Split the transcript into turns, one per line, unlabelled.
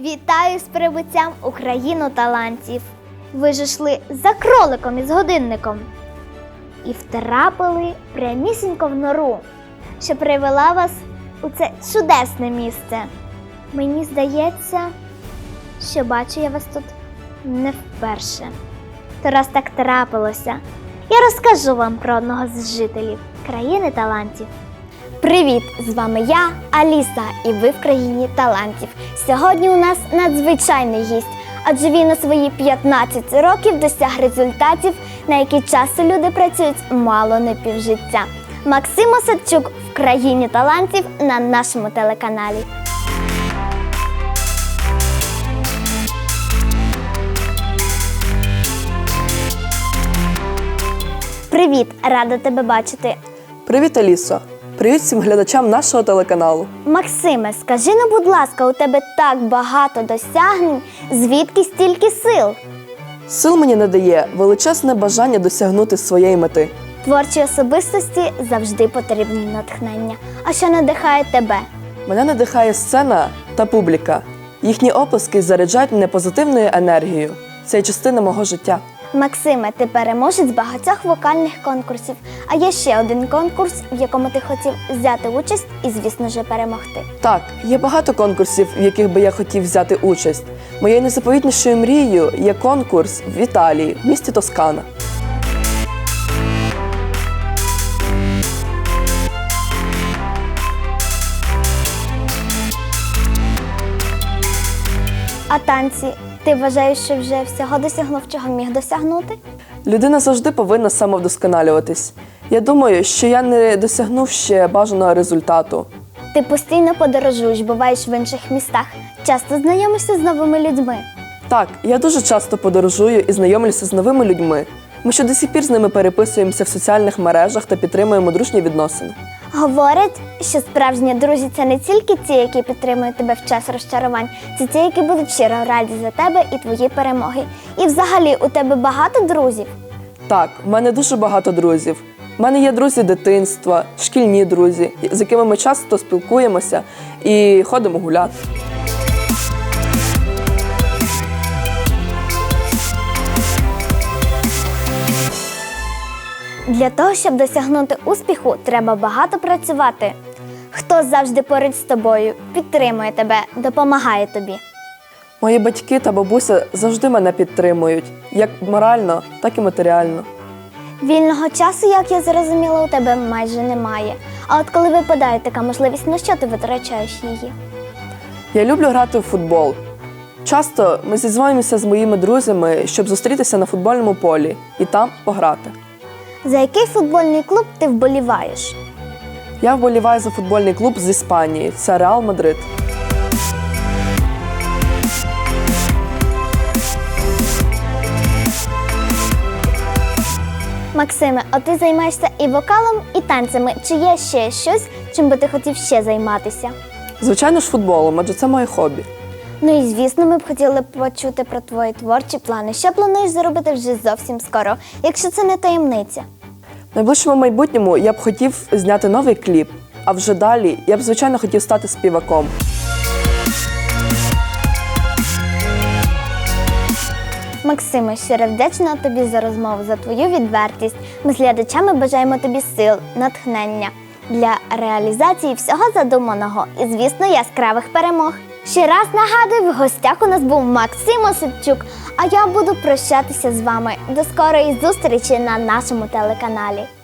Вітаю з прибуттям у країну талантів. Ви ж йшли за кроликом із годинником і втрапили прямісінько в нору, що привела вас у це чудесне місце. Мені здається, що бачу я вас тут не вперше. То раз так трапилося, я розкажу вам про одного з жителів країни талантів. Привіт! З вами я, Аліса, і ви в країні талантів. Сьогодні у нас надзвичайний гість, адже він у свої 15 років досяг результатів, на які часу люди працюють мало не півжиття. Максим Осадчук в країні талантів на нашому телеканалі. Привіт! Рада тебе бачити.
Привіт, Алісо! Привіт всім глядачам нашого телеканалу.
Максиме, скажи, ну, будь ласка, у тебе так багато досягнень, звідки стільки сил?
Сил мені надає величезне бажання досягнути своєї мети.
Творчій особистості завжди потрібне натхнення. А що надихає тебе?
Мене надихає сцена та публіка. Їхні оплески заряджають мене позитивною енергією. Це є частина мого життя.
Максиме, ти переможець багатьох вокальних конкурсів. А є ще один конкурс, в якому ти хотів взяти участь і, звісно ж, перемогти.
Так, є багато конкурсів, в яких би я хотів взяти участь. Моєю найзаповітнішою мрією є конкурс в Італії, в місті Тоскана.
А танці? Ти вважаєш, що вже всього досягнув, чого міг досягнути?
Людина завжди повинна самовдосконалюватись. Я думаю, що я не досягнув ще бажаного результату.
Ти постійно подорожуєш, буваєш в інших містах, часто знайомишся з новими людьми.
Так, я дуже часто подорожую і знайомлюся з новими людьми. Ми ще до сих пір з ними переписуємося в соціальних мережах та підтримуємо дружні відносини.
Говорять, що справжні друзі – це не тільки ті, які підтримують тебе в час розчарувань, це ті, які будуть щиро раді за тебе і твої перемоги. І взагалі, у тебе багато друзів?
Так, в мене дуже багато друзів. У мене є друзі дитинства, шкільні друзі, з якими ми часто спілкуємося і ходимо гуляти.
Для того, щоб досягнути успіху, треба багато працювати. Хто завжди поруч з тобою, підтримує тебе, допомагає тобі?
Мої батьки та бабуся завжди мене підтримують, як морально, так і матеріально.
Вільного часу, як я зрозуміла, у тебе майже немає. А от коли випадає така можливість, на що ти витрачаєш її?
Я люблю грати в футбол. Часто ми зізвонюємося з моїми друзями, щоб зустрітися на футбольному полі і там пограти.
За який футбольний клуб ти вболіваєш?
Я вболіваю за футбольний клуб з Іспанії – це Реал Мадрид.
Максиме, а ти займаєшся і вокалом, і танцями. Чи є ще щось, чим би ти хотів ще займатися?
Звичайно ж футболом, адже це моє хобі.
Ну і звісно, ми б хотіли почути про твої творчі плани. Що плануєш зробити вже зовсім скоро, якщо це не таємниця?
В найближчому майбутньому я б хотів зняти новий кліп, а вже далі я б, звичайно, хотів стати співаком.
Максиме, щиро вдячна тобі за розмову, за твою відвертість. Ми з глядачами бажаємо тобі сил, натхнення для реалізації всього задуманого і, звісно, яскравих перемог. Ще раз нагадую, в гостях у нас був Максим Осадчук, а я буду прощатися з вами. До скорої зустрічі на нашому телеканалі.